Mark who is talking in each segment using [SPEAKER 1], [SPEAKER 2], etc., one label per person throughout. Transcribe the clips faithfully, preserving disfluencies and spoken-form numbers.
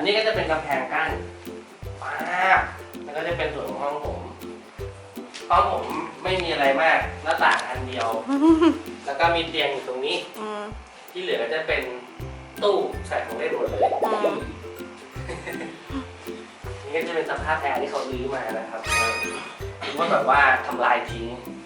[SPEAKER 1] นี้ก็จะเป็นกำแพงกั้นว้าแล้วก็จะเป็นส่วนของห้องผมห้องผมไม่มีอะไรมากหน้าต่างอันเดียวแล้วก็มีเตียงอยู่ตรงนี้ที่เหลือก็จะเป็นตู้ใส่ของเล่นหมดเลยนี่ก็จะเป็นสภาพแอร์ที่เขาลื้อมานะครับคิดว่าแบบว่าทำลายทิ้ง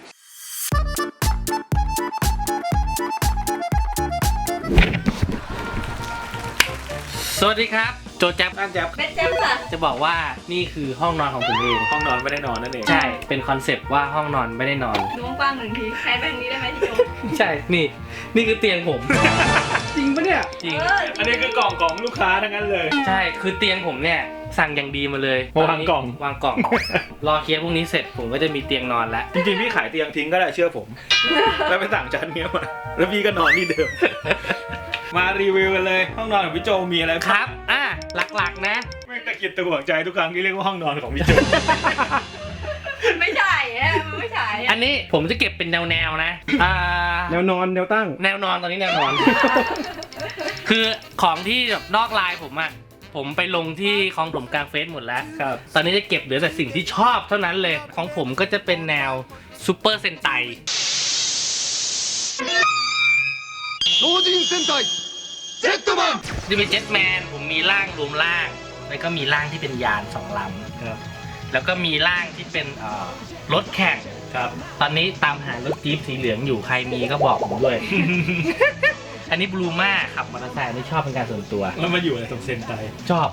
[SPEAKER 1] สวัสดีครับโจแจ๊บอันแจ๊บ
[SPEAKER 2] เป็นแจ๊บค่ะ
[SPEAKER 1] จะบอกว่านี่คือห้องนอนของผมเอง
[SPEAKER 3] ห้องนอนไม่ได้นอนนั่นเอง
[SPEAKER 1] ใช่เป็นคอนเซปต์ว่าห้องนอนไม่ได้นอน
[SPEAKER 2] ล้วงกว้างหนึ่งทีใช้แบงค์นี้ได้ไหมพี่โจ
[SPEAKER 1] ใช่นี่นี่คือเตียงผม
[SPEAKER 3] จริงปะเนี่ย
[SPEAKER 1] จริง
[SPEAKER 3] อันนี้คือกล่องของลูกค้าทั้งนั้นเลย
[SPEAKER 1] ใช่คือเตียงผมเนี่ยสั่งอย่างดีมาเลยว
[SPEAKER 3] างกล่อง
[SPEAKER 1] วางกล่องรอเคลียร์พวกนี้เสร็จผมก็จะมีเตียงนอนแล้ว
[SPEAKER 3] จริงๆพี่ขายเตียงทิ้งก็ได้เชื่อผมแล้วไปสั่งชั้นนี้มาแล้วพี่ก็นอนที่เดิมมารีวิวกันเลยห้องนอนของพี่โจมีอะไร
[SPEAKER 1] ครับอ่ะหลักๆนะ
[SPEAKER 3] ไม่ตะกิดตะหวงใจทุกครั้งที่เรียกว่าห้องนอนของพี่โจ
[SPEAKER 2] ไม่ใช่ฮะไม่ใช่
[SPEAKER 1] อันนี้ผมจะเก็บเป็นแนวๆนะอ่า
[SPEAKER 3] แนวนอนแนวตั้ง
[SPEAKER 1] แนวนอนตอนนี้แนวนอน คือของที่แบบนอกลายผมอะผมไปลงที่ของผมกลางเฟซหมดแล้ว
[SPEAKER 3] ครับ
[SPEAKER 1] ตอนนี้จะเก็บเหลือแต่สิ่งที่ชอบเท่านั้นเลยของผมก็จะเป็นแนวซูเปอร์เซนไต
[SPEAKER 4] 超人戦隊ジェットマン
[SPEAKER 1] จะเป็นเจ็ตแมนผมมีร่างรวมร่างแล้วก็มีร่างที่เป็นยานสองลำ
[SPEAKER 3] ครับ
[SPEAKER 1] แล้วก็มีร่างที่เป็นรถแข่ง
[SPEAKER 3] ครับ
[SPEAKER 1] ตอนนี้ตามหารถจี๊ปสีเหลืองอยู่ใครมีก็บอกผมด้วย อันนี้บลูม่าขับมอเตอร์ไซค์ไม่ชอบเป็นการส่วนตัว
[SPEAKER 3] แล้วมาอยู่ในตรงเซนไต
[SPEAKER 1] ชอบ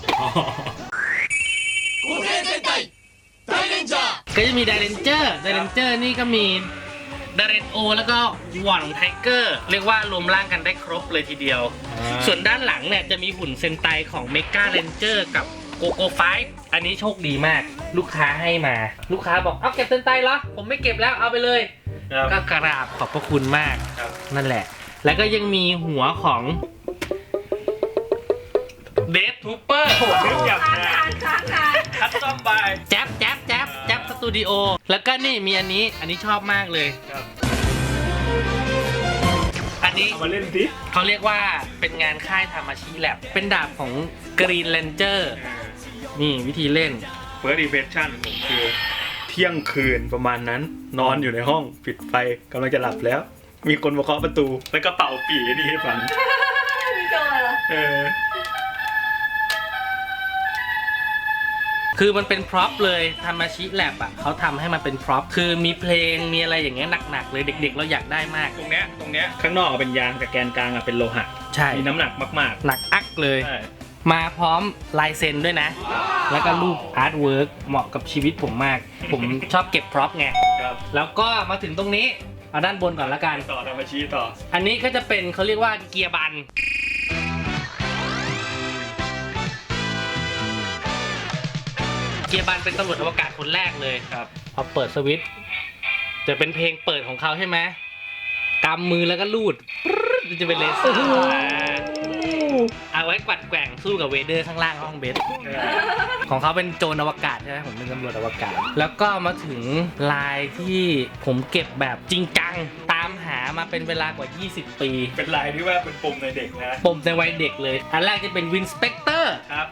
[SPEAKER 1] ก็จะมีไดเรนเจอร์ไดเรนเจอร์นี่ก็มีดาเรนโอแล้วก็หว่อนไทเกอร์เรียกว่ารวมร่างกันได้ครบเลยทีเดียวส่วนด้านหลังเนี่ยจะมีหุ่นเซนไตของเมกาเรนเจอร์กับโกโก้ไฟฟ์อันนี้โชคดีมากลูกค้าให้มาลูกค้าบอกเอาเก็บเซนไตเหรอผมไม่เก็บแล้วเอาไปเลยก็กราบขอบพระคุณมากนั่นแหละแล้วก็ยังมีหัวของเดธทูเปอร์
[SPEAKER 3] โหนึกอยากงานคัสตอมบาย
[SPEAKER 1] แจ๊บแจ๊บแจ๊บแจ๊บสตูดิโอแล้วก็นี่มีอันนี้อันนี้ชอบมากเลยอันนี้
[SPEAKER 3] เอามาเล่นสิ
[SPEAKER 1] เขาเรียกว่าเป็นงานค่ายทามาชิแลบเป็นดาบของกรีนเรนเจอร์นี่วิธีเล่น
[SPEAKER 3] เฟิร์สอิมเพรสชั่นผมคือเที่ยงคืนประมาณนั้นนอนอยู่ในห้องปิดไฟกำลังจะหลับแล้วมีคนมาเคาะประตูแล้วก็เป่าปี่นี่ให้ฟัง
[SPEAKER 2] พี่โจเหรอ
[SPEAKER 3] เออ
[SPEAKER 1] คือมันเป็นพร็อพเลยทามาชิแลบอ่ะเขาทำให้มันเป็นพร็อพคือมีเพลงมีอะไรอย่างเงี้ยหนักๆเลยเด็กๆเราอยากได้มาก
[SPEAKER 3] ตรงเนี้ยตรงเนี้ยข้างนอกเป็นยางแต่แกนกลางเป็นโลหะ
[SPEAKER 1] ใช่
[SPEAKER 3] มีน้ำหนักมาก
[SPEAKER 1] ๆหนักอักเลยมาพร้อมลายเซ็นด้วยนะแล้วก็รูปอาร์ตเวิร์กเหมาะกับชีวิตผมมากผมชอบเก็บพร็อพไงแล้วก็มาถึงตรงนี้เอาด้านบนก่อนละกัน
[SPEAKER 3] ต่อทามาชิต่อ
[SPEAKER 1] อันนี้ก็จะเป็นเขาเรียกว่าเกียร์บันเกียร์บันเป็นตำรวจอวกาศคนแรกเลย
[SPEAKER 3] ครับ
[SPEAKER 1] พอเปิดสวิตช์จะเป็นเพลงเปิดของเขาใช่ไหมกำมือแล้วก็ลูดจะเป็นเลเซอร์เอาไว้กวัดแกว่งสู้กับเวเดอร์ข้างล่างห้องเบสของเขาเป็นโจรอวกาศใช่ไหมผมเป็นตำรวจอวกาศแล้วก็มาถึงลายที่ผมเก็บแบบจริงจังตามหามาเป็นเวลากว่ายี่สิบปี
[SPEAKER 3] เป็นลายที่ว่าเป็นปมในเด็กนะ
[SPEAKER 1] ปมในวัยเด็กเลยอันแรกจะเป็นวินสเปกเตอร์
[SPEAKER 3] ครับ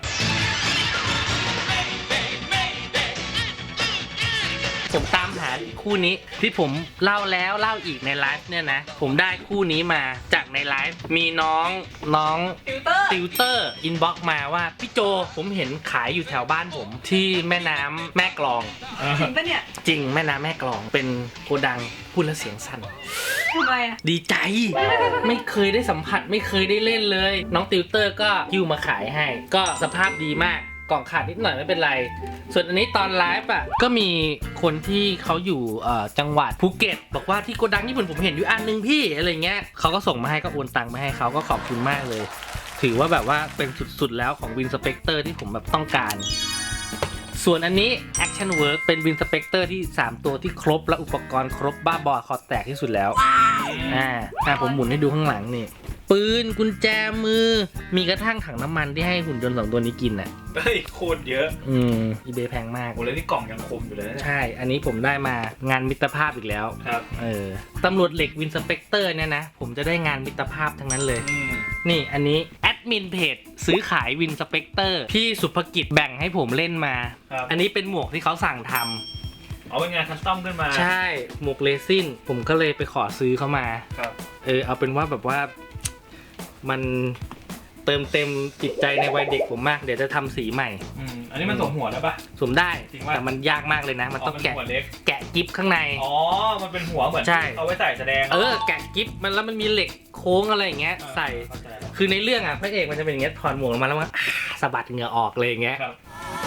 [SPEAKER 1] ผมตามหาคู่นี้ที่ผมเล่าแล้วเล่าอีกในไลฟ์เนี่ยนะผมได้คู่นี้มาจากในไลฟ์มีน้องน้องติวเตอร์อินบ็อกมาว่าพี่โจผมเห็นขายอยู่แถวบ้านผมที่แม่น้ำแม่กลอง
[SPEAKER 2] จริงปะเนี่ย
[SPEAKER 1] จริงแม่น้ำแม่กลองเป็นโกดังพูดแล้วเสียงสั่น
[SPEAKER 2] ทำไมอ่ะ
[SPEAKER 1] ดีใจไม่เคยได้สัมผัสไม่เคยได้เล่นเลยน้องติวเตอร์ก็ยิ้วมาขายให้ก็สภาพดีมากกล่องขาดนิดหน่อยไม่เป็นไรส่วนอันนี้ตอนไลฟ์อ่ะก็มีคนที่เขาอยู่จังหวัดภูเก็ตบอกว่าที่โกดังญี่ปุ่นผมเห็นอยู่อันนึงพี่อะไรเงี้ยเขาก็ส่งมาให้ก็โอนตังค์มาให้เขาก็ขอบคุณมากเลยถือว่าแบบว่าเป็นสุดๆแล้วของวินสเปกเตอร์ที่ผมแบบต้องการส่วนอันนี้ Action Work เป็นวินสเปกเตอร์ที่สามตัวที่ครบและอุปกรณ์ครบบ้าบอคอแตกที่สุดแล้วอ่าอ่าผมหมุนให้ดูข้างหลังนี่ปืนกุญแจมือมีกระทั่งถังน้ำมันที่ให้หุ่นยนต์สองตัวนี้กินน่ะ
[SPEAKER 3] เฮ้ยโคตรเยอะ
[SPEAKER 1] อืมอีเบย์แพงมาก
[SPEAKER 3] โอ้แล้วนี่กล่องยังคมอยู่เลย
[SPEAKER 1] ใช่อันนี้ผมได้มางานมิตรภาพอีกแล้ว
[SPEAKER 3] ครับ
[SPEAKER 1] เออตำรวจเหล็กวินสเปกเตอร์เนี่ยนะผมจะได้งานมิตรภาพทั้งนั้นเลยนี่อันนี้แอดมินเพจซื้อขายวินสเปกเตอร์พี่สุภกิจแบ่งให้ผมเล่นมา
[SPEAKER 3] ครับ
[SPEAKER 1] อันนี้เป็นหมวกที่เขาสั่งทำ
[SPEAKER 3] เอาเป็นงานคัสตอมขึ้นมา
[SPEAKER 1] ใช่หมวกเลซินผมก็เลยไปขอซื้อเขามา
[SPEAKER 3] ครับ
[SPEAKER 1] เออเอาเป็นว่าแบบว่ามันเติมเต็มจิตใจในวัยเด็กผมมากเดี๋ยวจะทำสีใหม่
[SPEAKER 3] อืมอันนี้มันสวมหัวแล้วปะ
[SPEAKER 1] สวมได้
[SPEAKER 3] จริงปะ
[SPEAKER 1] แต่มันยากมากเลยนะ มันต้องแกะ
[SPEAKER 3] หัวเล็ก
[SPEAKER 1] แกะกิฟข้างใน
[SPEAKER 3] อ๋อมันเป็นหัวเหมือน
[SPEAKER 1] ใช่
[SPEAKER 3] เอาไว้ใส่แสดง
[SPEAKER 1] เออแกะกิฟมันแล้วมันมีเหล็กโค้งอะไรอย่างเงี้ย
[SPEAKER 3] เออ
[SPEAKER 1] ใส่
[SPEAKER 3] เข้าใจแล้ว
[SPEAKER 1] คือในเรื่องอ่ะพระเอกมันจะเป็นอย่างเงี้ยถอดหมวกออกมาแล้วมันอ่าสะบัดเหงื่อออกเลยอย่างเงี้ย
[SPEAKER 3] ครับ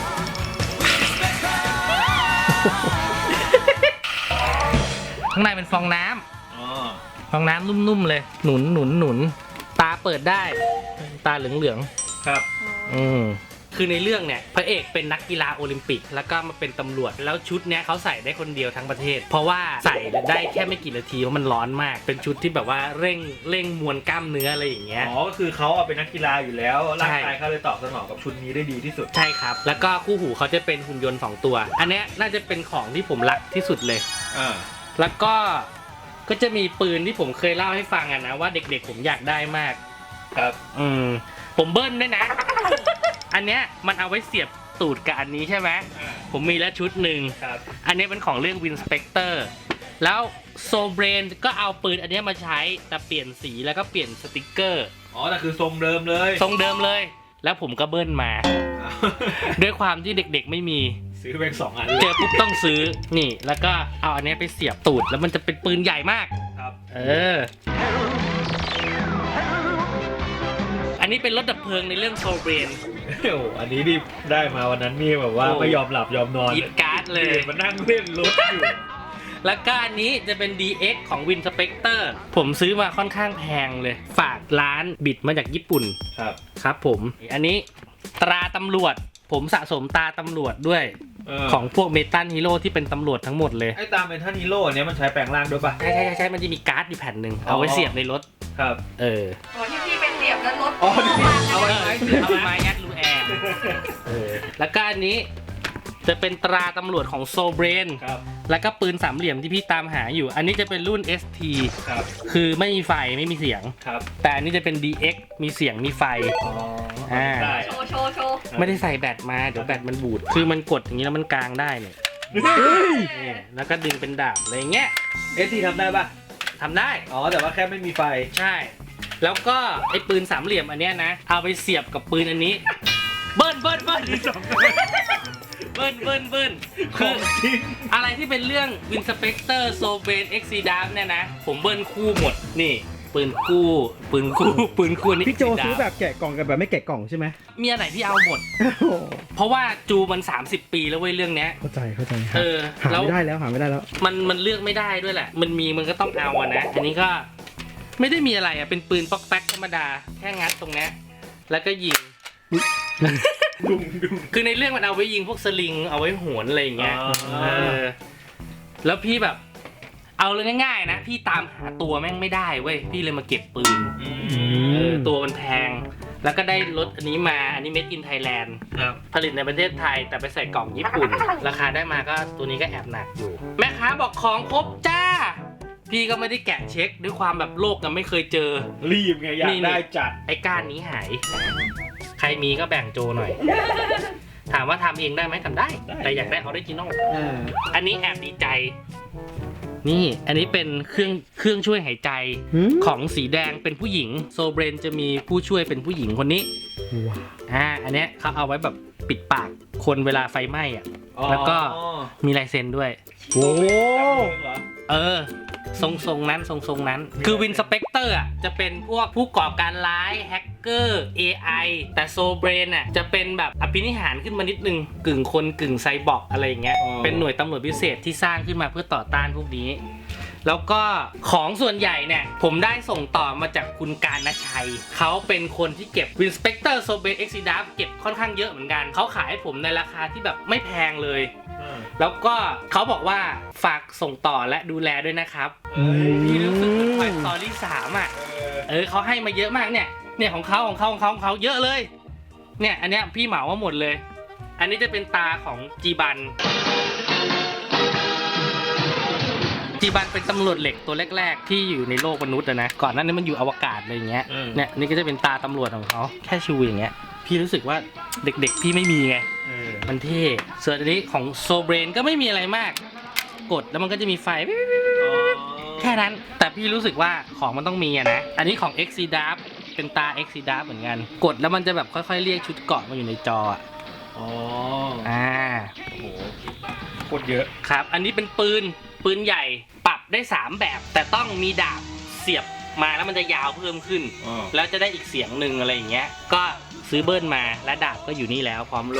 [SPEAKER 1] ข้างในเป็นฟองน้ำ
[SPEAKER 3] อ๋อ
[SPEAKER 1] ฟองน้ำนุ่มๆเลย หนุนหนุนหนุนตาเปิดได้ ตาเหลืองๆ
[SPEAKER 3] ครับ
[SPEAKER 1] อืมคือในเรื่องเนี่ยพระเอกเป็นนักกีฬาโอลิมปิกแล้วก็มาเป็นตำรวจแล้วชุดเนี้ยเขาใส่ได้คนเดียวทั้งประเทศ เพราะว่าใส่ได้แค่ไม่กี่นาทีเพราะมันร้อนมาก เป็นชุดที่แบบว่าเร่งเร่งมวลกล้ามเนื้ออะไรอย่างเงี้ย
[SPEAKER 3] อ๋อก็คือเขาเอาเป็นนักกีฬาอยู่แล้วร่าง
[SPEAKER 1] ใช่
[SPEAKER 3] กายเขาเลยตอบสนองกับชุดนี้ได้ดีที่สุด
[SPEAKER 1] ใช่ครับ แล้วก็คู่หูเขาจะเป็นหุ่นยนต์สองตัว อันเนี้ยน่าจะเป็นของที่ผมรักที่สุดเลย
[SPEAKER 3] อ่า
[SPEAKER 1] แล้วก็ก็จะมีปืนที่ผมเคยเล่าให้ฟังอะนะว่าเด็กๆผมอยากได้มาก
[SPEAKER 3] ครับ
[SPEAKER 1] อืมผมเบิ้ลด้วยนะ อันเนี้ยมันเอาไว้เสียบตูดกับอันนี้ใช่ไหม
[SPEAKER 3] อ่า
[SPEAKER 1] ผมมีแล้วชุดหนึ่ง
[SPEAKER 3] ครับ
[SPEAKER 1] อันนี้เป็นของเรื่องวินสเปกเตอร์แล้วโซเบรนก็เอาปืนอันเนี้ยมาใช้แต่เปลี่ยนสีแล้วก็เปลี่ยนสติกเกอร์
[SPEAKER 3] อ๋อแต่คือทรงเดิมเลย
[SPEAKER 1] ทรงเดิมเลย แล้วผมก็เบิ้ลมา ด้วยความที่เด็กๆไม่มี
[SPEAKER 3] ซื้อเป็นสองอัน
[SPEAKER 1] เจอปุ๊บต้องซื้อนี่แล้วก็เอาอันเนี้ยไปเสียบตูดแล้วมันจะเป็นปืนใหญ่มาก
[SPEAKER 3] ครับ
[SPEAKER 1] เออ อันนี้เป็นรถดับเพลิงในเรื่องโซเบรน
[SPEAKER 3] โอ้โหอันนี้นี่ได้มาวันนั้นนี่แบบว่า
[SPEAKER 1] โอ้
[SPEAKER 3] ไม่ยอมหลับยอมนอน
[SPEAKER 1] หยิบการ์ดเลย
[SPEAKER 3] มานั่งเล่นรถอยู่
[SPEAKER 1] แล้วก็อันนี้จะเป็น ดี เอ็กซ์ ของ Win Spectre ผมซื้อมาค่อนข้างแพงเลย ฝากร้านบิดมาจากญี่ปุ่น
[SPEAKER 3] ครับ
[SPEAKER 1] ครับผม อันนี้ตราตำรวจ ผมสะสมตราตำรวจด้วย
[SPEAKER 3] เอ
[SPEAKER 1] ของพวกเมตัลฮีโร่ที่เป็นตำรวจทั้งหมดเลย
[SPEAKER 3] ไอ้ตามเป็นท่านฮีโร่อันเนี้ยมันใช้แปลงร่างด้วยปะ
[SPEAKER 1] ใช่ใช่ใช่ใช่มันจะมีการ์ดอยู่แผ่นหนึ่งเอาไว้เสียบในรถ
[SPEAKER 3] ครับ
[SPEAKER 1] เออ
[SPEAKER 2] โอ้ที่พี่เป็นเสียบแล้วรถ
[SPEAKER 3] อ๋อนี่เอา
[SPEAKER 1] เอ
[SPEAKER 3] ไว้
[SPEAKER 1] อ
[SPEAKER 3] ไหม
[SPEAKER 1] เอาไม้ยัดรูแอร์เออแล้วก็อันนี้จะเป็นตราตำรวจของโซเบรน
[SPEAKER 3] ครับ
[SPEAKER 1] แล้วก็ปืนสามเหลี่ยมที่พี่ตามหาอยู่ อันนี้จะเป็นรุ่น เอส ที
[SPEAKER 3] ครับ
[SPEAKER 1] คือไม่มีไฟไม่มีเสียง
[SPEAKER 3] ครับ
[SPEAKER 1] แต่อันนี้จะเป็น ดี เอ็กซ์ มีเสียงมีไฟ
[SPEAKER 3] อ๋อ
[SPEAKER 1] อ่า
[SPEAKER 3] ได้
[SPEAKER 2] โชว์โชว์โชว์
[SPEAKER 1] ไม่ได้ใส่แบตมาเดี๋ยวแบตมันบูด คือมันกดอย่างนี้แล้วมันกลางได้เนี่ยนี่แล้วก็ดึงเป็นดาบอะไรอย่างเงี้ย
[SPEAKER 3] เอสทีทำได้ปะ
[SPEAKER 1] ทำได้
[SPEAKER 3] อ๋อแต่ว่าแค่ไม่มีไฟ
[SPEAKER 1] ใช่ แล้วก็ไอ้ปืนสามเหลี่ยมอันเนี้ยนะ เอาไปเสียบกับปืนอันนี้ เบิ้ลเบิ้ลเบิ้ลเบิ้ลเบิ้ลเบิ้ลคืออะไรที่เป็นเรื่อง Win Spectre s o b r a n X C D A M เนี่ยนะ ผมเบิ้ลคู่หมด นี่ ปืนคู่ ปืนคู่ ปืนคู่นี่
[SPEAKER 5] พี่โจซื้อแบบแกะกล่องกับแบบไม่แกะกล่องใช่ไหม
[SPEAKER 1] มีอันไหนที่เอาหมด
[SPEAKER 5] โอ้โห
[SPEAKER 1] เพราะว่าจูมัน สามสิบ ปีแล้วเว้ยเรื่องเนี้ย
[SPEAKER 5] เข้าใจเข้าใจ
[SPEAKER 1] เออ
[SPEAKER 5] หา
[SPEAKER 1] แล้ว
[SPEAKER 5] ไม่ได้แล้วหาไม่ได้แล้ว
[SPEAKER 1] มันมันเลือกไม่ได้ด้วยแหละ มันมีมันก็ต้องเอาอะนะ อันนี้ก็ไม่ได้มีอะไรอะเป็นปืนป๊อกแป๊กธรรมดา แค่งัดตรงเนี้ยแล้วก็ยิง
[SPEAKER 3] ดุมดุม
[SPEAKER 1] คือในเรื่องมันเอาไว้ยิงพวกสลิง เอาไว้โหนอะไรอย่างเงี้ย
[SPEAKER 3] อ๋อ
[SPEAKER 1] เออ แล้วพี่แบบ เอาเลยง่ายๆนะ พี่ตามหาตัวแม่งไม่ได้เว้ย พี่เลยมาเก็บปืน
[SPEAKER 3] อื
[SPEAKER 1] เออ
[SPEAKER 3] ม
[SPEAKER 1] ตัวมันแพง แล้วก็ได้รถอันนี้มา อันนี้ Made in Thailand
[SPEAKER 3] ครับ
[SPEAKER 1] ผลิตในประเทศไทยแต่ไปใส่กล่องญี่ปุ่น ราคาได้มาก็ตัวนี้ก็แอบหนักอยู่ แม่ค้าบอกของครบจ้า พี่ก็ไม่ได้แกะเช็คด้วยความแบบโลกยังไม่เคยเจอ
[SPEAKER 3] รีบไงอยา
[SPEAKER 1] นี่
[SPEAKER 3] ก
[SPEAKER 1] นี่
[SPEAKER 3] ได้จัด
[SPEAKER 1] ไอ้ก้านนี้หาย ใครมีก็แบ่งโจหน่อย ถามว่าทำเองได้ไหมทำได้
[SPEAKER 3] ได้
[SPEAKER 1] แต่อยากได้ออริจินอล
[SPEAKER 3] เออ
[SPEAKER 1] อันนี้แอบดีใจ นี่อันนี้เป็นเครื่องเครื่องช่วยหายใจ
[SPEAKER 5] หืม
[SPEAKER 1] ของสีแดงเป็นผู้หญิงโซเบรนจะมีผู้ช่วยเป็นผู้หญิงคนนี้
[SPEAKER 5] ว้าว
[SPEAKER 1] อ่าอันเนี้ยเขาเอาไว้แบบปิดปากคนเวลาไฟไหม้อ่ะ แล้วก็
[SPEAKER 3] อ๋อ
[SPEAKER 1] มีลายเซ็นด้วย
[SPEAKER 5] โอ้
[SPEAKER 3] เหรอ
[SPEAKER 1] เออ ทรงทรงนั้นทรงทรงนั้น คือวินสเปกเตอร์อ่ะจะเป็นพวกผู้ก่อการร้ายแฮกเกอร์ เอ ไอ แต่โซเบรนอ่ะจะเป็นแบบอภินิหารขึ้นมานิดนึง กึ่งคนกึ่งไซบอร์กอะไรอย่างเงี้ย เป็นหน่วยตำรวจพิเศษที่สร้างขึ้นมาเพื่อต่อต้านพวกนี้ แล้วก็ของส่วนใหญ่เนี่ย ผมได้ส่งต่อมาจากคุณการณชัย เขาเป็นคนที่เก็บ Win Spectre s o b r a n X C D A M เก็บค่อนข้างเยอะเหมือนกัน เขาขายให้ผมในราคาที่แบบไม่แพงเลย
[SPEAKER 3] เออ
[SPEAKER 1] แล้วก็เขาบอกว่าฝากส่งต่อและดูแลด้วยนะครับ
[SPEAKER 3] เอ้ย
[SPEAKER 1] พี่รู้สึกเหมือน Toy Story สามอ่ะ
[SPEAKER 3] เออ
[SPEAKER 1] เออเขาให้มาเยอะมากเนี่ย เนี่ยของเขาของเขาของเขาของเขาเยอะเลย เนี่ยอันเนี้ยพี่เหมามาหมดเลย อันนี้จะเป็นตาของจีบันจีบันเป็นตำรวจเหล็กตัวแรกๆที่อยู่ในโลกมนุษย์อะนะก่อนหน้านี้มันอยู่อวกาศอะไรอย่างเงี้ย
[SPEAKER 3] อืม
[SPEAKER 1] เนี่ยนี่ก็จะเป็นตาตำรวจของเขาแค่ชูอย่างเงี้ยพี่รู้สึกว่าเด็กๆพี่ไม่มีไง
[SPEAKER 3] เออ
[SPEAKER 1] มันเท่ส่วนอันนี้ของโซเบรนก็ไม่มีอะไรมาก กดแล้วมันก็จะมีไฟ แค่นั้น แต่พี่รู้สึกว่าของมันต้องมีอะนะ อันนี้ของ เอ็กซ์ ซี ดับ เป็นตา เอ็กซ์ ซี ดับ เหมือนกัน กดแล้วมันจะแบบค่อยๆเรียกชุดเกราะมาอยู่ในจออะ
[SPEAKER 3] อ๋อ
[SPEAKER 1] อ่า
[SPEAKER 3] โอ้โหโคตรเยอะ
[SPEAKER 1] ครับ อันนี้เป็นปืน ปืนใหญ่ ปรับได้สามแบบ แต่ต้องมีดาบเสียบมาแล้วมันจะยาวเพิ่มขึ้น
[SPEAKER 3] อ๋อ
[SPEAKER 1] แล้วจะได้อีกเสียงหนึ่งอะไรอย่างเงี้ย ก็ซื้อเบิ้ลมาและดาบก็อยู่นี่แล้วพร้อมโล่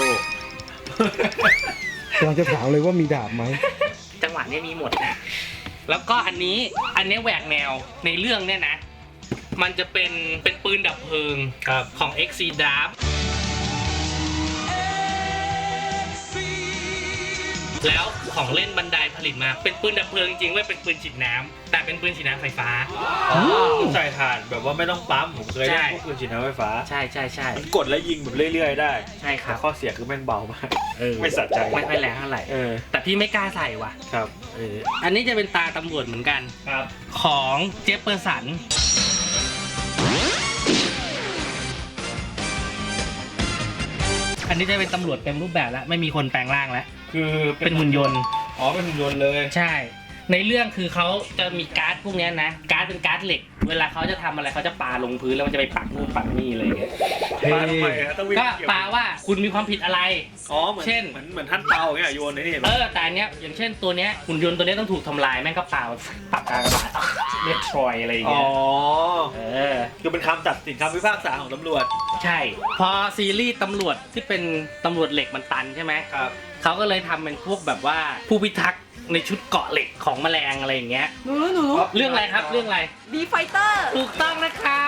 [SPEAKER 5] กำลังจะถามเลยว่ามีดาบไหม
[SPEAKER 1] จังหวะเนี้ยมีหมด แล้วก็อันนี้ อันนี้แหวกแนวในเรื่องเนี่ยนะ มันจะเป็น เป็นปืนดับเพลิง
[SPEAKER 3] ครับ
[SPEAKER 1] ของ เอ็กซ์ ซี ดับ แล้วของเล่นบันไดผลิตมา เป็นปืนดับเพลิงจริงๆไม่เป็นปืนฉีดน้ำแต่เป็นปืนฉีดน้ำไฟฟ้า
[SPEAKER 3] อ๋อคือใส่ถ่านแบบว่าไม่ต้องปั๊ม ผมเคย
[SPEAKER 1] ใช่
[SPEAKER 3] เล่นพวกปืนฉีดน้ำไฟฟ้า
[SPEAKER 1] ใช่ใช่ใช่
[SPEAKER 3] มันกดแล้วยิงแบบเรื่อยๆได้
[SPEAKER 1] ใช่ค
[SPEAKER 3] แต่
[SPEAKER 1] รับ
[SPEAKER 3] ข้อเสียคือแม่งเบามาก
[SPEAKER 1] เออ
[SPEAKER 3] ไม่สะใจ
[SPEAKER 1] ไม่ค่อยแรงเท่าไหร่
[SPEAKER 3] เออ
[SPEAKER 1] แต่พี่ไม่กล้าใส่ว่ะ
[SPEAKER 3] ครับ
[SPEAKER 1] เอออันนี้จะเป็นตาตำรวจเหมือนกัน
[SPEAKER 3] ครับ
[SPEAKER 1] ของเจฟเฟอร์สัน อันนี้จะเป็นตำรวจเต็มรูปแบบแล้ว ไม่มีคนแปลงร่างแล้ว
[SPEAKER 3] คือ
[SPEAKER 1] เป็นหุ่นยนต์
[SPEAKER 3] อ๋อ เป็นหุ่นยนต์เลย
[SPEAKER 1] ใช่ ในเรื่องคือเขาจะมีการ์ดพวกเนี้ยนะ การ์ดเป็นการ์ดเหล็ก เวลาเขาจะทำอะไรเขาจะปาลงพื้นแล้วมันจะไปปักนู่นปักนี่อะไรอย่างเงี้ย
[SPEAKER 3] ปาทำไมอะต้องวิ่ง
[SPEAKER 1] ก็
[SPEAKER 3] เกี่ยว
[SPEAKER 1] ปาว่าคุณมีความผิดอะไร
[SPEAKER 3] อ๋อ เหมือน
[SPEAKER 1] เช่น
[SPEAKER 3] เหมือนเหมือนท่านเตาเนี่ยโยนในนี่
[SPEAKER 1] เออ แต่อันเนี้ยอย่างเช่นตัวเนี้ยหุ่นยนต์ตัวเนี้ยต้องถูกทำลายแม่งก็ปาปักกลางกระบาดเรียกทรอยอะไรอย่าง
[SPEAKER 3] อ๋อ
[SPEAKER 1] เงี้ย เออ
[SPEAKER 3] คือเป็นคำตัดสินคำพิพากษาของตำรวจ
[SPEAKER 1] ใช่ พอซีรีส์ตำรวจที่เป็นตำรวจเหล็กมันตันใช่ไหม
[SPEAKER 3] ครับ
[SPEAKER 1] เขาก็เลยทำเป็นพวกแบบว่าผู้พิทักษ์ในชุดเกราะเหล็กของแมลงอะไรอย่างเงี้ย
[SPEAKER 2] หนูหนู
[SPEAKER 1] เรื่องอะไรครับเรื่องอะไร
[SPEAKER 2] บีไฟเตอร์
[SPEAKER 1] ถูกต้องนะครับ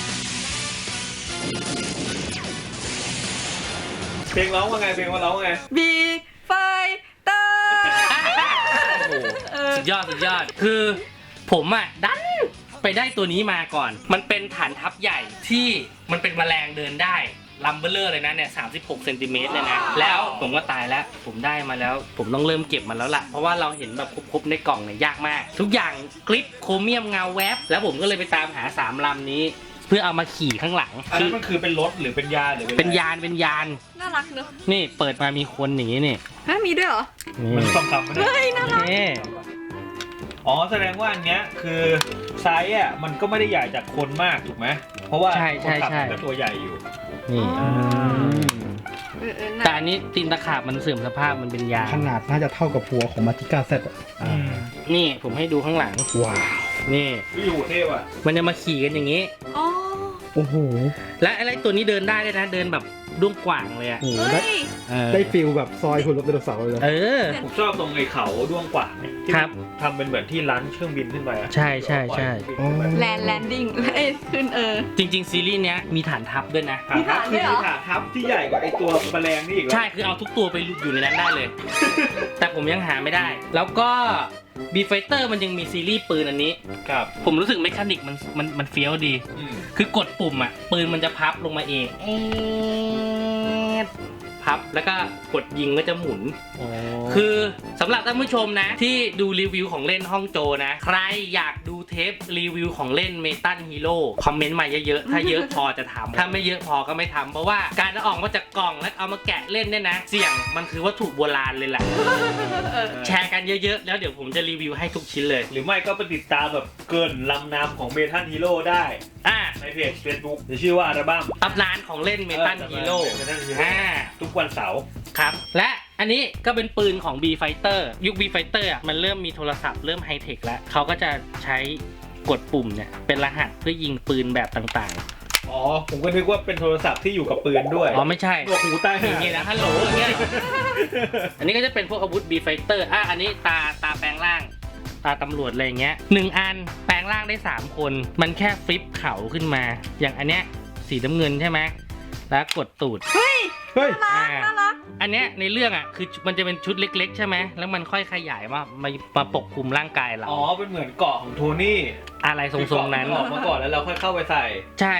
[SPEAKER 3] เพลงร้องว่าไง เพลงว่าร้องว่าไง
[SPEAKER 2] บีไฟเตอร์
[SPEAKER 1] โอ้โหสุดยอดสุดยอดคือผมอ่ะดันไปได้ตัวนี้มาก่อน มันเป็นฐานทัพใหญ่ที่มันเป็นแมลงเดินได้ลัมเบอร์เลอร์เลยนะเนี่ยสามสิบหกเซนติเมตรเลยนะแล้วผมก็ตายแล้วผมได้มาแล้ว ผมต้องเริ่มเก็บมันแล้วล่ะเพราะว่าเราเห็นแบบครบๆในกล่องเนี่ยยากมาก ทุกอย่างกริปโครเมียมเงาแวบแล้วผมก็เลยไปตามหาสามลำนี้ เพื่อเอามาขี่ข้างหลัง
[SPEAKER 3] อัน
[SPEAKER 1] คื
[SPEAKER 3] นั้
[SPEAKER 1] อน
[SPEAKER 3] มันคือเป็นรถหรือเป็นยาหรือ
[SPEAKER 1] เป็นยานเป็นยาน
[SPEAKER 2] น่ารักเนอะ
[SPEAKER 1] นี่เปิดมามีคนอย่างนี้นี่
[SPEAKER 2] ฮะมีด้วยเหรอ
[SPEAKER 3] มันสองคำมัน
[SPEAKER 2] เฮ้ย น่ารัก
[SPEAKER 1] นี่
[SPEAKER 3] อ๋อ แสดงว่าอันเนี้ยคือไซส์อ่ะมันก็ไม่ได้ใหญ่จากคนมากถูกไหม เพราะว่า
[SPEAKER 1] ใช่ใช่
[SPEAKER 3] คนขับ
[SPEAKER 1] ใช่
[SPEAKER 3] มันก็ตัวใหญ่อยู่
[SPEAKER 1] นี่
[SPEAKER 2] อ๋อ เออเออน่า
[SPEAKER 1] แต่อันนี้ตีนตะขาบมันเสื่อมสภาพมันเป็นยาง
[SPEAKER 5] ขนาดน่าจะเท่ากับหัวของมาติก้าเซตอ่ะอ่า
[SPEAKER 1] นี่ผมให้ดูข้างหลัง
[SPEAKER 5] ว้าว
[SPEAKER 1] นี่
[SPEAKER 3] วิวเทพอ่ะ
[SPEAKER 1] มันจะมาขี่กันอย่างนี้
[SPEAKER 2] อ๋อ
[SPEAKER 5] โอ้โห
[SPEAKER 1] และอะไรตัวนี้เดินได้ด้วยนะเดินแบบด้วงกว่างเลยอะ
[SPEAKER 5] โอ้โห
[SPEAKER 2] เฮ้
[SPEAKER 5] ได้
[SPEAKER 2] ย
[SPEAKER 1] เออ
[SPEAKER 5] ได้ฟิลแบบซอยหุ่นรถไดโนเสาร์เลยนะ
[SPEAKER 1] เออ
[SPEAKER 3] ผมชอบตรงไอ้เขาด้วงกว่างเนี่ยที่
[SPEAKER 1] ครับ
[SPEAKER 3] ทำเป็นเหมือนที่ร้านเครื่องบินขึ้นไปอ่ะ
[SPEAKER 1] ใช่ใช่ใช่
[SPEAKER 5] อ๋อ
[SPEAKER 2] แลนด์แลนดิ้งเอ้ยขึ้นเออ
[SPEAKER 1] จริง ๆ ซีรีส์เนี้ยมีฐานทัพด้วยนะ
[SPEAKER 3] ฐานทัพ
[SPEAKER 2] มี
[SPEAKER 3] คือ
[SPEAKER 2] ฐานด้วยเหรอ
[SPEAKER 3] ฐานทัพที่ใหญ่กว่าไอ้ตัวแมลงนี่อีกแล้ว
[SPEAKER 1] ใช่คือเอาทุกตัวไปอยู่ในนั้นได้เลย แต่ผมยังหาไม่ได้ แล้วก็บีไฟเตอร์มันยังมีซีรีส์ปืนอันนี้
[SPEAKER 3] ครับ
[SPEAKER 1] ผมรู้สึกเมคานิกมันมันมันเฟี้ยวดี
[SPEAKER 3] อืม
[SPEAKER 1] คือกดปุ่มอ่ะปืนมันจะพับลงมาเองเอ๊ะพับแล้วก็กดยิงก็จะหมุน
[SPEAKER 3] อ๋อ
[SPEAKER 1] คือสำหรับท่านผู้ชมนะ ที่ดูรีวิวของเล่นห้องโจนะ ใครอยากดูเทปรีวิวของเล่นเมตัลฮีโร่คอมเมนต์มาเยอะๆ ถ้าเยอะพอจะทำถ้าไม่เยอะพอก็ไม่ทำเพราะว่าการเอาออกมาจากกล่องแล้วเอามาแกะเล่นเนี่ยนะ เสี่ยงมันคือวัตถุโบราณเลยแหละ แชร์กันเยอะๆ แล้วเดี๋ยวผมจะรีวิวให้ทุกชิ้นเลย
[SPEAKER 3] หรือไม่ก็ไปติดตามแบบเกินลำนามของเมทัลฮีโร่ได้
[SPEAKER 1] อ่า
[SPEAKER 3] ในเพจ Facebook จะชื่อว่าอัลบั้ม
[SPEAKER 1] ตำนานของเล่นเมตัลฮีโร่
[SPEAKER 3] เมทัลฮีโร่
[SPEAKER 1] อ่า
[SPEAKER 3] ทุกวันเสาร์
[SPEAKER 1] ครับ และอันนี้ก็เป็นปืนของ B Fighter ยุค B Fighter อ่ะมันเริ่มมีโทรศัพท์เริ่มไฮเทคแล้วเขาก็จะใช้กดปุ่มเนี่ยเป็นรหัสเพื่อยิงปืนแบบต่าง
[SPEAKER 3] อ๋อ ผมก็นึกว่าเป็นโทรศัพท์ที่อยู่กับปืนด้วย
[SPEAKER 1] ๆ อ๋อไม่ใช่
[SPEAKER 3] ตัวหูใต้
[SPEAKER 1] อย่างเงี้ยนะฮัลโหลอย่างเงี้ย อันนี้ก็จะเป็นพวกอาวุธ B Fighter อ่ะอันนี้ตาตาแปลงร่าง ตาตำรวจอะไรอย่างเงี้ยหนึ่งอันแปลงร่างได้สามคน มันแค่ฟลิปเขาขึ้นมา อย่างอันเนี้ยสีน้ำเงินใช่ไหมแล้วกดตูด
[SPEAKER 2] เฮ้ย
[SPEAKER 5] เฮ้ย
[SPEAKER 2] น่ารักน่ารัก
[SPEAKER 1] อันเนี้ยในเรื่องอ่ะคือมันจะเป็นชุดเล็ก ๆ ใช่ไหมแล้วมันค่อยขยายมามามาปกคลุมร่างกายเรา
[SPEAKER 3] อ๋อ เป็นเหมือนเกาะของโทนี่
[SPEAKER 1] อะไรทรงๆนั้น
[SPEAKER 3] ออกมาก่อนแล้วเราค่อยเข้าไปใส่
[SPEAKER 1] ใช่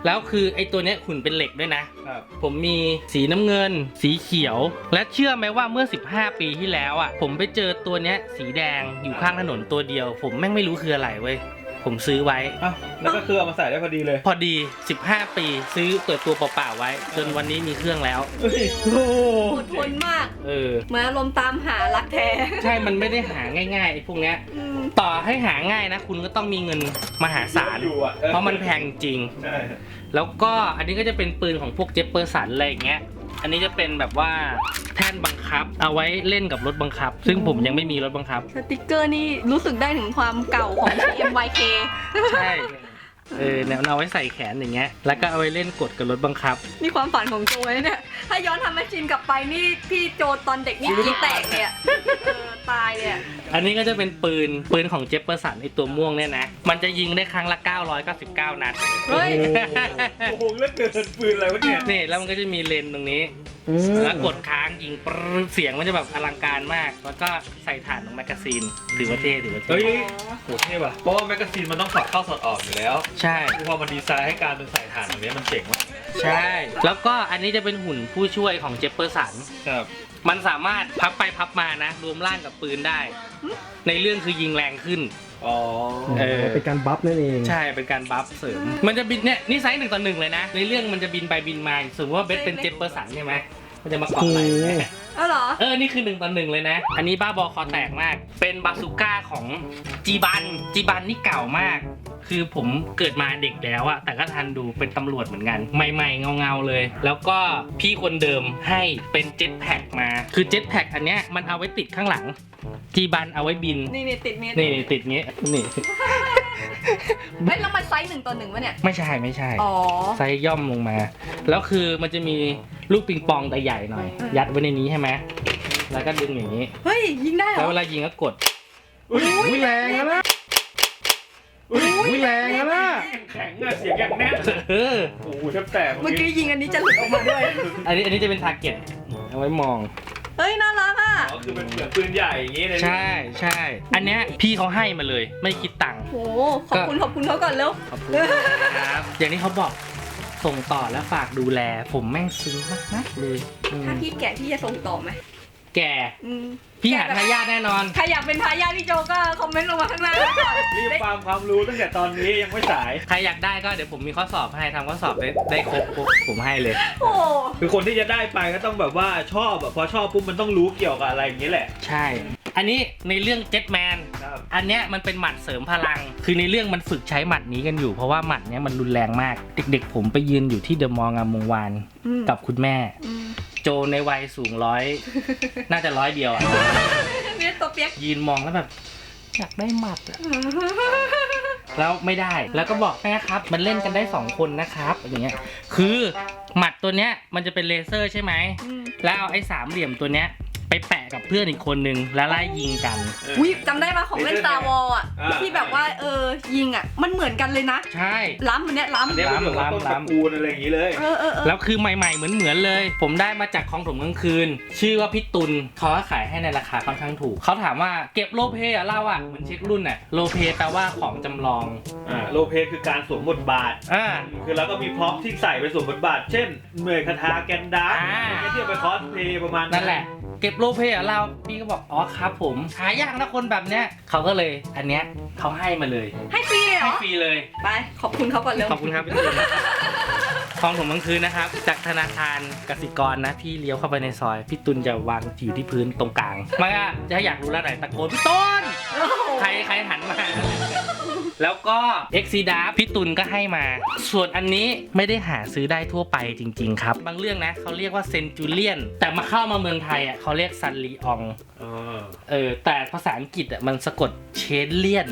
[SPEAKER 1] แล้วคือไอ้ตัวเนี้ยหุ่นเป็นเหล็กด้วยนะ
[SPEAKER 3] ครับ
[SPEAKER 1] ผมมีสีน้ำเงิน สีเขียว และเชื่อไหมว่าเมื่อสิบห้าปีที่แล้วอ่ะผมไปเจอตัวเนี้ยสีแดงอยู่ข้างถนนตัวเดียว ผมแม่งไม่รู้คืออะไรเว้ยผมซื้อไว้
[SPEAKER 3] อ้าวแล้วก็คือเอามาใส่ได้พอดีเลย
[SPEAKER 1] พอดีสิบห้าปีซื้อเปิดตัวเปล่าๆไว้ จนวันนี้มีเครื่องแล้ว
[SPEAKER 3] เฮ้ย
[SPEAKER 5] โอ้โห
[SPEAKER 2] อดทนมาก
[SPEAKER 1] เออ
[SPEAKER 2] เหมือนอารมณ์ตามหารักแท้
[SPEAKER 1] ใช่มันไม่ได้หาง่ายๆไอ้พวกเนี้ย
[SPEAKER 2] อืม
[SPEAKER 1] ต่อให้หาง่ายนะ คุณก็ต้องมีเงินมหาศาล
[SPEAKER 3] อยู่อ่ะ
[SPEAKER 1] เพราะมันแพงจริง
[SPEAKER 3] ใช่
[SPEAKER 1] แล้วก็อันนี้ก็จะเป็นปืนของพวกเจฟเปอร์สันอะไรอย่างเงี้ย อันนี้จะเป็นแบบว่าแท่นบังคับ เอาไว้เล่นกับรถบังคับ ซึ่งผมยังไม่มีรถบังคับ
[SPEAKER 2] สติกเกอร์นี่รู้สึกได้ถึงความเก่าของ ที เอ็ม วาย เค
[SPEAKER 1] ใช่ เออเนี่ยเอาไว้ใส่แขนอย่างเงี้ย แล้วก็เอาไว้เล่นกดกับรถบังคับ
[SPEAKER 2] นี่ความฝันของโจเลยเนี่ย ถ้าย้อนทำแมชชีนกลับไปนี่พี่โจตอนเด็กนี่กรีดแตกเลยอะเออตายเลยอะ
[SPEAKER 1] อันนี้ก็จะเป็นปืน ปืนของเจฟเปอร์สันไอตัวม่วงเนี่ยนะ มันจะยิงได้ครั้งละเก้าร้อยเก้าสิบเก้านัด
[SPEAKER 2] เฮ้ย
[SPEAKER 3] โอ้โหเลือกเกินปืนอะไรวะเนี่ย
[SPEAKER 1] นี่แล้วมันก็จะมีเลนตรงนี้
[SPEAKER 5] อืม
[SPEAKER 1] แล้วกดค้างยิงปรึ๊ดเสียงมันจะแบบอลังการมาก แล้วก็ใส่ฐานของแมกกาซีนถือว่าเท่ถือว่า
[SPEAKER 3] เฮ้
[SPEAKER 1] เท่
[SPEAKER 3] ยโหเท่ว่ะเพราะว่าแมกกาซีนมันต้องสอดเข้าสอดออกอยู่แล้ว
[SPEAKER 1] ใช่
[SPEAKER 3] พอมันดีไซน์ให้การเป็นใส่ถ่านแบบนี้มันเจ๋งว่ะ
[SPEAKER 1] ใช่ แล้วก็อันนี้จะเป็นหุ่นผู้ช่วยของเจฟเปอร์สัน
[SPEAKER 3] ครับ
[SPEAKER 1] มันสามารถพับไปพับมานะ รวมร่างกับปืนได้ ในเรื่องคือยิงแรงขึ้น
[SPEAKER 3] อ๋อ
[SPEAKER 1] เออ
[SPEAKER 5] เป็นการบัฟนั่นเอง
[SPEAKER 1] ใช่เป็นการบัฟเสริม มันจะบินเนี่ยนี่ไซส์หนึ่งต่อหนึ่งเลยนะ ในเรื่องมันจะบินไปบินมาสมมติว่าเบสเป็นเจฟเปอร์สันใช่ไหมมันจะมาเกาะไหล่แม่
[SPEAKER 2] เออเหรอ
[SPEAKER 1] เออ นี่คือหนึ่งต่อหนึ่งเลยนะ อันนี้บ้าบอคอแตกมาก เป็นบาซูก้าของจีบัน จีบันนี่เก่ามาก คือผมเกิดมาเด็กแล้วอะแต่ก็ทันดูเป็นตำรวจเหมือนกัน ใหม่ๆเงาๆเลย แล้วก็พี่คนเดิมให้เป็นเจ็ตแพ็กมา คือเจ็ตแพ็กอันเนี้ยมันเอาไว้ติดข้างหลัง จีบันเอาไว้บิน
[SPEAKER 2] นี่นี่ติดเมีย
[SPEAKER 1] นี่ติดเงี้ย นี่
[SPEAKER 2] เฮ้ยแล้วมันไซส์หนึ่งต่อหนึ่งวะเนี่ย
[SPEAKER 1] ไม่ใช่ไม่ใช่
[SPEAKER 2] อ๋อ
[SPEAKER 1] ไซส์ย่อมลงมา แล้วคือมันจะมีลูกปิงปองแต่ใหญ่หน่อย
[SPEAKER 2] อืม
[SPEAKER 1] ยัดไว้ในนี้ใช่ไหม แล้วก็ดึงอย่างนี้
[SPEAKER 2] เฮ้ย ยิงได้เหร
[SPEAKER 1] แล้ว
[SPEAKER 2] อ
[SPEAKER 1] เวลายิงก็กด
[SPEAKER 3] อุ้ย
[SPEAKER 5] อุ้ยแรงนะอุ้ยแรงนะ
[SPEAKER 3] แข็งอะเสียงอย่างแน่น
[SPEAKER 1] เออ
[SPEAKER 3] โอ้โหแทบแตก
[SPEAKER 2] เมื่อกี้ยิงอันนี้จะหลุดออกมาด้วย
[SPEAKER 1] อันนี้อันนี้จะเป็นทาร์เก็ตเอาไว้มอง
[SPEAKER 2] เฮ้ย น่ารักอ่ะ
[SPEAKER 3] อ๋อคือเป็นเหมือนปืนใหญ่อย่างงี้เลย
[SPEAKER 1] ใช่ใช่ อันเนี้ยพี่เขาให้มาเลย ไม่คิดตังค์
[SPEAKER 2] โห ขอบคุณขอบคุณเขาก่อนเร็ว
[SPEAKER 1] ขอบคุณครับ อย่างที่เขาบอกส่งต่อและฝากดูแล ผมแม่งซึ้งมากๆเลยอืม
[SPEAKER 2] ถ้าพี่แก่พี่จะส่งต่อไหม
[SPEAKER 1] แก
[SPEAKER 2] อืม
[SPEAKER 1] พี่หาทายาทแน่นอน
[SPEAKER 2] ใครอยากเป็นทายาทพี่โจก็คอมเมนต์ลงมาข้างล่างก่อน
[SPEAKER 3] รีบฟาร์มความรู้ตั้งแต่ตอนนี้ยังไม่สาย
[SPEAKER 1] ใครอยากได้ก็เดี๋ยวผมมีข้อสอบให้ทำข้อสอบได้ได้ครบปุ๊บผมให้เลย
[SPEAKER 2] โอ้
[SPEAKER 3] คือคนที่จะได้ไปก็ต้องแบบว่าชอบแบบพอชอบปุ๊บมันต้องรู้เกี่ยวกับอะไรอย่างนี้แหละ
[SPEAKER 1] ใช่ อันนี้ในเรื่องเจ็ตแมน
[SPEAKER 3] ครับ
[SPEAKER 1] อันเนี้ยมันเป็นหมัดเสริมพลัง คือในเรื่องมันฝึกใช้หมัดนี้กันอยู่ เพราะว่าหมัดเนี้ยมันรุนแรงมาก เด็กๆ ผมไปยืนอยู่ที่เดอะมอลล์งามวงวาน
[SPEAKER 2] อืม
[SPEAKER 1] กับคุณแม่
[SPEAKER 2] อืม
[SPEAKER 1] โจในวัยสูงร้อย น่าจะร้อยเดียวอ่ะ
[SPEAKER 2] เนี่ยตัวเปียก
[SPEAKER 1] ยืนมองแล้วแบบ อยากได้หมัดอะแล้วไม่ได้ แล้วก็บอกแม่ครับ มันเล่นกันได้สองคนนะครับอย่างเงี้ย คือหมัดตัวเนี้ยมันจะเป็นเลเซอร์ใช่ไหม
[SPEAKER 2] อืม
[SPEAKER 1] แล้วเอาไอ้สามเหลี่ยมตัวเนี้ยไปแปะกับเพื่อนอีกคนนึงแล้วไล่ยิงกัน
[SPEAKER 2] วิจำได้มาของเล่น Star Wars อ่ะ
[SPEAKER 3] อ่า
[SPEAKER 2] ที่แบบว่าเออยิงอ่ะ มันเหมือนกันเลยนะ
[SPEAKER 1] ใช่
[SPEAKER 2] ล้ำอันเนี้ย
[SPEAKER 3] อัน
[SPEAKER 2] ล้ำ
[SPEAKER 3] เนี้ยมันเหมือนกับต้นตระกูลอะไรอย่างนี้เลย
[SPEAKER 2] เออเออเออ
[SPEAKER 1] แล้วคือใหม่ๆเหมือนเหมือนๆเลย ผมได้มาจากของถมกลางคืน ชื่อว่าพี่ตุลเขาก็ขายให้ในราคาค่อนข้างถูก เขาถามว่าเก็บโลเปอะเล่าอ่ะเหมือนเช็ครุ่นอ่ะโลเปแปลว่าของจำลอง
[SPEAKER 3] อ่าโลเพคือการสวมบทบาท
[SPEAKER 1] อ่า
[SPEAKER 3] คือแล้วก็มีพร็อพที่ใส่ไปสวมบทบาท เช่นเหนื่อยคาถาแกนดาร์
[SPEAKER 1] อ่า
[SPEAKER 3] อะไรเงี้ยที่เอาไปคอสเพลย์ประมาณ
[SPEAKER 1] นั่นแหละ เก็บโลเปอะเล่าพี่ก็บอกอ๋อครับผมหายากนะคนแบบเนี้ยเขาก็เลยอันเนี้ยเขาให้มาเลย
[SPEAKER 2] ให้ฟรีเลยเหร
[SPEAKER 1] ให้
[SPEAKER 2] อ
[SPEAKER 1] ฟรีเลย
[SPEAKER 2] ไป ขอบคุณเขาก่อนเร็ว
[SPEAKER 1] ขอบคุณครับพี่ตุลของผมกลางคืนนะครับ จากธนาคารกสิกรนะ พี่เลี้ยวเข้าไปในซอย พี่ตุลจะวางอยู่ที่พื้นตรงกลางมาอ่ะจะอยากรู้แล้วไหนตะโกนพี่ตุล
[SPEAKER 2] โอ้โห
[SPEAKER 1] ใครใครหันมา แล้วก็ X C D A พี่ตุลก็ให้มา ส่วนอันนี้ไม่ได้หาซื้อได้ทั่วไปจริงๆครับ บางเรื่องนะเขาเรียกว่าเซนจูเลียนแต่มาเข้ามาเมืองไทยอ่ะเขาเรียกซันลีออง
[SPEAKER 3] อ๋อ
[SPEAKER 1] เออแต่ภาษาอังกฤษอ่ะมันสะกดเชนเลียน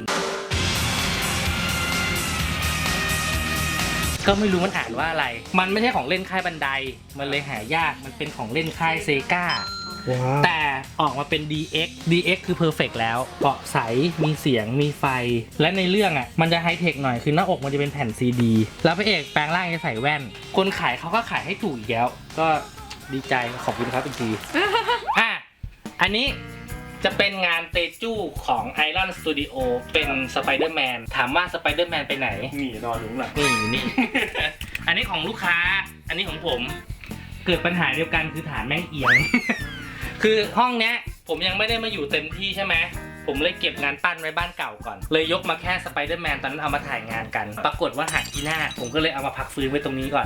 [SPEAKER 1] ก็ไม่รู้มันอ่านว่าอะไร มันไม่ใช่ของเล่นค่ายบันได มันเลยหายาก มันเป็นของเล่นค่ายเซกา
[SPEAKER 5] ว้าว
[SPEAKER 1] แต่ออกมาเป็น ดี เอ็กซ์ ดี เอ็กซ์ คือเพอร์เฟกต์แล้วเกาะใส มีเสียง มีไฟ และในเรื่องอ่ะ มันจะไฮเทคหน่อย คือหน้าอกมันจะเป็นแผ่นซีดี แล้วพระเอกแปลงร่างจะใส่แว่น คนขายเขาก็ขายให้ถูกอีกแล้ว ก็ดีใจ ขอบคุณครับอีกที อ่ะ อันนี้จะเป็นงานเตจูของ Iron Studio เป็นสไปเดอร์แมน ถามว่าสไปเดอร์แมนไปไหน
[SPEAKER 3] นี่นอนอยู่ข้างหลัง
[SPEAKER 1] นี่นี่ อันอันนี้ของลูกค้า อันนี้ของผม เกิดปัญหาเดียวกันคือฐานแม่งเอียง คือห้องเนี้ยผมยังไม่ได้มาอยู่เต็มที่ใช่ไหมผมเลยเก็บงานปั้นไว้บ้านเก่าก่อน เลยยกมาแค่สไปเดอร์แมนตอนนั้นเอามาถ่ายงานกัน ปรากฏว่าหักที่หน้า ผมก็เลยเอามาพักฟื้นไว้ตรงนี้ก่อน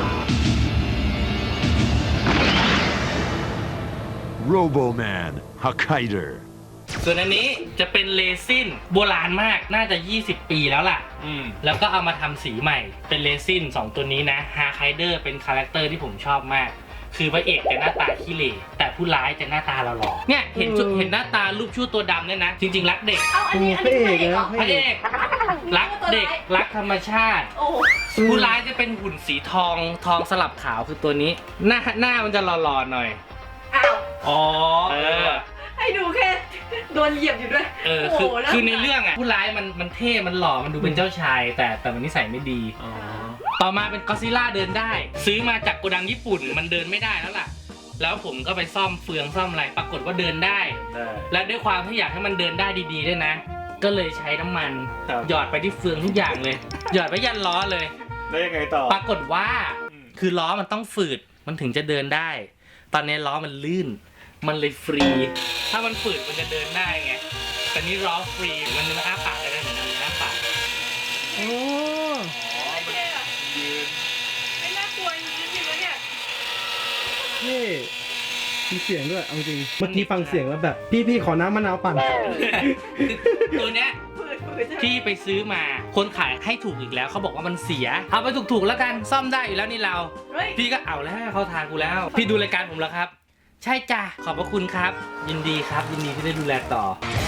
[SPEAKER 4] Roboman Hokkaido
[SPEAKER 1] ส่วนอันนี้จะเป็นเรซินโบราณมาก น่าจะยี่สิบปีแล้วล่ะ
[SPEAKER 3] อืม
[SPEAKER 1] แล้วก็เอามาทำสีใหม่ เป็นเรซินสองตัวนี้นะฮาไคเดอร์เป็นคาแรคเตอร์ที่ผมชอบมาก คือพระเอกจะหน้าตาขี้เหร่แต่ผู้ร้ายจะหน้าตาหล่อๆเนี่ยเห็นชุดเห็นหน้าตารูปชั่วตัวดำเนี่ยนะ จริงๆรักเด็ก
[SPEAKER 2] เอ้าอันนี้อันนี้ไม่เหรอ
[SPEAKER 1] พระเอกรักเด็กรักธรรมชาติ
[SPEAKER 2] โอ้โห
[SPEAKER 1] ผู้ร้ายจะเป็นหุ่นสีทองทองสลับขาวคือตัวนี้ หน้าหน้ามันจะหล่อๆหน่อย
[SPEAKER 2] อ้าว
[SPEAKER 3] อ๋อ
[SPEAKER 1] เออ
[SPEAKER 2] ให้ดูแค่โดนเหยียบอยู่ด้วย
[SPEAKER 1] เออ
[SPEAKER 2] โอ้
[SPEAKER 1] คือ
[SPEAKER 2] โหแล้ว
[SPEAKER 1] คือในเรื่องอ่ะผู้ร้ายมันมันเท่มันหล่อมันดูเป็นเจ้าชาย แต่แต่มันนิสัยไม่ดี
[SPEAKER 3] อ๋อ
[SPEAKER 1] ต่อมาเป็นก็อดซิลล่าเดินได้ ซื้อมาจากโกดังญี่ปุ่นมันเดินไม่ได้แล้วล่ะ แล้วผมก็ไปซ่อมเฟืองซ่อมอะไรปรากฏว่าเดินได้
[SPEAKER 3] ได้
[SPEAKER 1] และด้วยความที่อยากให้มันเดินได้ดีๆด้วยนะ ก็เลยใช้น้ำมัน
[SPEAKER 3] ครับ
[SPEAKER 1] หยอดไปที่เฟืองทุกอย่างเลย หยอดไปยันล้อเลย
[SPEAKER 3] แล้วยังไงต่อ
[SPEAKER 1] ปรากฏว่า
[SPEAKER 3] อืม
[SPEAKER 1] คือล้อมันต้องฝืดมันถึงจะเดินได้ ตอนนี้ล้อมันลื่น มันเลยฟรี ถ้ามันฝืดมันจะเดินได้ไงแต่นี่ล้อฟรีมันจะมาอ้าปากได้ไหมเหมือนมันอ้าปาก
[SPEAKER 5] โอ้
[SPEAKER 3] อ๋อมันยืน
[SPEAKER 2] ไม่น่ากลัวจริงๆเลยเนี่ย
[SPEAKER 5] เท่มีเสียงด้วยเอาจริงเมื่อกี้ฟังเสียงแล้วแบบ พี่พี่ขอน้ำมะนาวปั่น
[SPEAKER 1] ตัวเนี้ย
[SPEAKER 2] ฝืดฝืดใช่ไหม
[SPEAKER 1] ที่ไปซื้อมาคนขายให้ถูกอีกแล้วเขาบอกว่ามันเสีย เอาไปถูกๆแล้วกันซ่อมได้อยู่แล้วนี่เรา
[SPEAKER 2] เฮ้ย
[SPEAKER 1] พี่ก็เอาแล้วเขาทางกูแล้ว พี่ดูรายการผมแล้วครับ ใช่จ้ะขอบพระคุณครับ ยินดีครับยินดีที่ได้ดูแลต่อ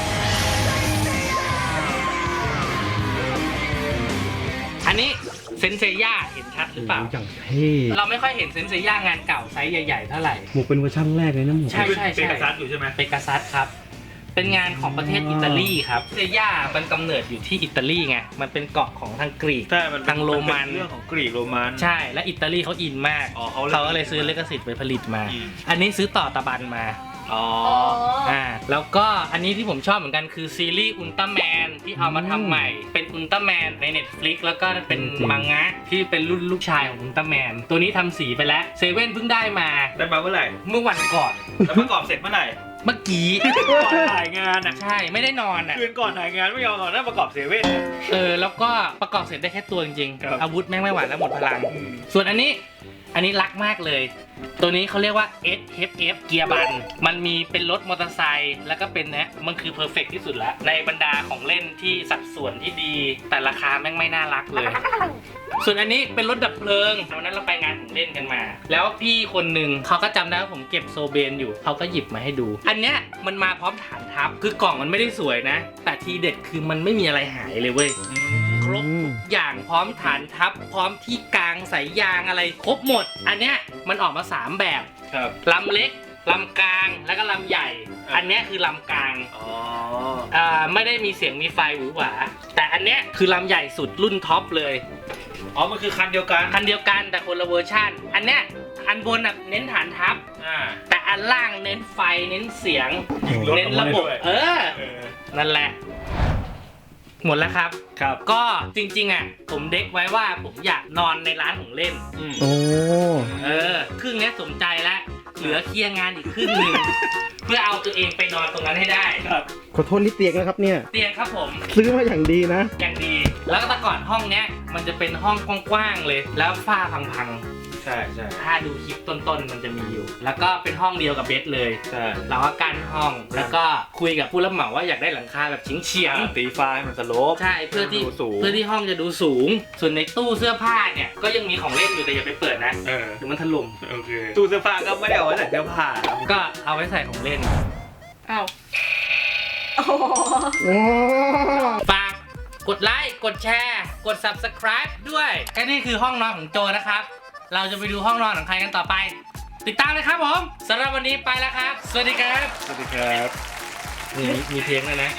[SPEAKER 1] อันนี้เซนเซย่าเห็นชัดหรือเปล่า
[SPEAKER 5] อย่างเท่
[SPEAKER 1] เราไม่ค่อยเห็นเซนเซย่างานเก่าไซส์ใหญ่ๆเท่าไหร่
[SPEAKER 5] หมวกเป็นเวอร์ชั่นแรกเลยนะหมวก
[SPEAKER 1] ใช่ใช่
[SPEAKER 3] เป็น
[SPEAKER 1] ใช่
[SPEAKER 3] กระซัดอยู่ใช่ไหม
[SPEAKER 1] เปกาซัสครับ เป็นงานของประเทศอิตาลีครับเซย่ามันกำเนิดอยู่ที่อิตาลีไง มันเป็นเกาะของทางกรีก
[SPEAKER 3] ใช่มันเป็น
[SPEAKER 1] ทางโรมัน
[SPEAKER 3] เป็เรื่องของกรีกโรมัน
[SPEAKER 1] ใช่ และอิตาลีเขาอินมาก
[SPEAKER 3] อ๋อเขาเลย
[SPEAKER 1] เขาก็เลยซื้อลิขสิทธิ์ไปผลิตมา
[SPEAKER 3] อืม
[SPEAKER 1] อันนี้ซื้อต่อตะบันมา
[SPEAKER 3] อ๋อ
[SPEAKER 2] อ๋อ
[SPEAKER 1] อ่า แล้วก็อันนี้ที่ผมชอบเหมือนกันคือซีรีส์อุลตร้าแมนที่เอามาทำใหม่ เป็นอุลตร้าแมนใน Netflix แล้วก็เป็นมังงะที่เป็นรุ่นลูกชายของอุลตร้าแมน ตัวนี้ทำสีไปแล้ว เซเว่นเพิ่งได้มา
[SPEAKER 3] ได้มาเมื่อไหร่
[SPEAKER 1] เมื่อวันก่อน
[SPEAKER 3] แล้วประกอบเสร็จเมื่อไหร่
[SPEAKER 1] เมื่อกี้
[SPEAKER 3] ก่อนถ่ายงานอ่ะ
[SPEAKER 1] ใช่ ไม่ได้นอนอ่ะ
[SPEAKER 3] คืนก่อนถ่ายงานไม่ยอมนอนนั่งประกอบเซเว่นอะ
[SPEAKER 1] เออ แล้วก็ประกอบเสร็จได้แค่ตัวจริง
[SPEAKER 3] ครับ
[SPEAKER 1] ๆ อาวุธแม่งไม่ไหวแล้วหมดพลัง
[SPEAKER 3] อืม
[SPEAKER 1] ส่วนอันนี้ อันนี้รักมากเลย ตัวนี้เขาเรียกว่า เอส เอฟ เอฟ เกียร์บัน มันมีเป็นรถมอเตอร์ไซค์แล้วก็เป็นนะมันคือเพอร์เฟกที่สุดแล้ว ในบรรดาของเล่นที่สัดส่วนที่ดี แต่ราคาแม่งไม่น่ารักเลย ส่วนอันนี้เป็นรถดับเพลิงวันนั้นเราไปงานของเล่นกันมา แล้วพี่คนหนึ่งเขาก็จำได้ว่าผมเก็บโซเบนอยู่เขาก็หยิบมาให้ดู อันเนี้ยมันมาพร้อมฐานทัพ คือกล่องมันไม่ได้สวยนะ แต่ทีเด็ดคือมันไม่มีอะไรหายเลยเว้ย ครบทุกอย่างพร้อมฐานทัพ พร้อมที่กลางสายยางอะไรครบหมด อันเนี้ยมันออกมาสามแบบ
[SPEAKER 3] ครับ
[SPEAKER 1] ลำเล็กลำกลางแล้วก็ลำใหญ่
[SPEAKER 3] ครับ
[SPEAKER 1] อันเนี้ยคือลำกลาง
[SPEAKER 3] อ๋อ
[SPEAKER 1] อ่าไม่ได้มีเสียงมีไฟหวือหวาแต่อันเนี้ยคือลำใหญ่สุดรุ่นท็อปเลย
[SPEAKER 3] อ๋อ มันคือคันเดียวกัน
[SPEAKER 1] คันเดียวกันแต่คนละเวอร์ชันอันเนี้ยอันบนอ่ะเน้นฐานทัพ
[SPEAKER 3] อ่า
[SPEAKER 1] แต่อันล่างเน้นไฟเน้นเสียง
[SPEAKER 3] ยิงรถ
[SPEAKER 1] เน้นระบบ
[SPEAKER 3] ออกมาได้ด้วย
[SPEAKER 1] เออ
[SPEAKER 3] เออ
[SPEAKER 1] นั่นแหละ หมดแล้วครับ
[SPEAKER 3] ครับ
[SPEAKER 1] ก็จริงๆอ่ะผมเด็กไว้ว่าผมอยากนอนในร้านของเล่น
[SPEAKER 3] อืม
[SPEAKER 5] โอ้
[SPEAKER 1] เออครึ่งเนี้ยสมใจแล้วเหลือเคลียร์งานอีกครึ่งหนึ่ง เพื่อเอาตัวเองไปนอนตรงนั้นให้ได้
[SPEAKER 3] ครับ
[SPEAKER 5] ขอโทษนิดเตียงนะครับเนี่ย
[SPEAKER 1] เตียงครับผม
[SPEAKER 5] ซื้อมาอย่างดีนะ
[SPEAKER 1] อย่างดี แล้วก็แต่ก่อนห้องเนี้ยมันจะเป็นห้องกว้างๆเลย แล้วฝ้าพัง
[SPEAKER 3] ใช่ใช่
[SPEAKER 1] ๆถ้าดูคลิปต้นๆมันจะมีอยู่ แล้วก็เป็นห้องเดียวกับเบสเลย
[SPEAKER 3] ใช่
[SPEAKER 1] เราก็กั้นห้อง แล้วก็คุยกับผู้รับเหมาว่าอยากได้หลังคาแบบเฉียง
[SPEAKER 3] อ่า
[SPEAKER 1] ๆ
[SPEAKER 3] ตีฟ้าให้มันสโลป
[SPEAKER 1] ใช่เพื่อที่
[SPEAKER 3] ดูสูง
[SPEAKER 1] เพื่อที่ห้องจะดูสูง ส่วนในตู้เสื้อผ้าเนี่ยก็ยังมีของเล่นอยู่แต่อย่าไปเปิดนะ
[SPEAKER 3] เออ
[SPEAKER 1] เดี๋ยวมันถล่ม
[SPEAKER 3] โอเค ตู้เสื้อผ้าก็ไม่ได้เอาไว้ใส่เสื้อผ้า
[SPEAKER 1] ก็เอาไว้ใส่ของเล่น
[SPEAKER 2] อ้าวโอ้โห
[SPEAKER 5] โอ้
[SPEAKER 1] ฝากกดไลค์กดแชร์ กด ซับสไครบ์ ด้วยแค่นี้คือห้องนอนของโจนะครับ เราจะไปดูห้องนอนของใครกันต่อไป ติดตามเลยครับผมสำหรับวันนี้ไปแล้วครับ สวัสดีครับ
[SPEAKER 3] สวัสดีครับ
[SPEAKER 1] มีมีเพลงด้วยนะ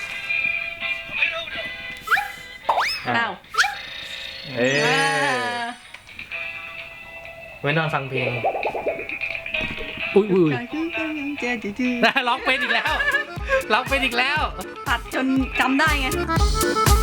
[SPEAKER 2] อ้าว
[SPEAKER 1] เอ้
[SPEAKER 2] อ่าย
[SPEAKER 1] ไว้นอนฟังเพลง อุ้ยอุ้ยร้องเป็นอีกแล้วร้องเป็นอีกแล้ว
[SPEAKER 2] ตัดจนจำได้ไง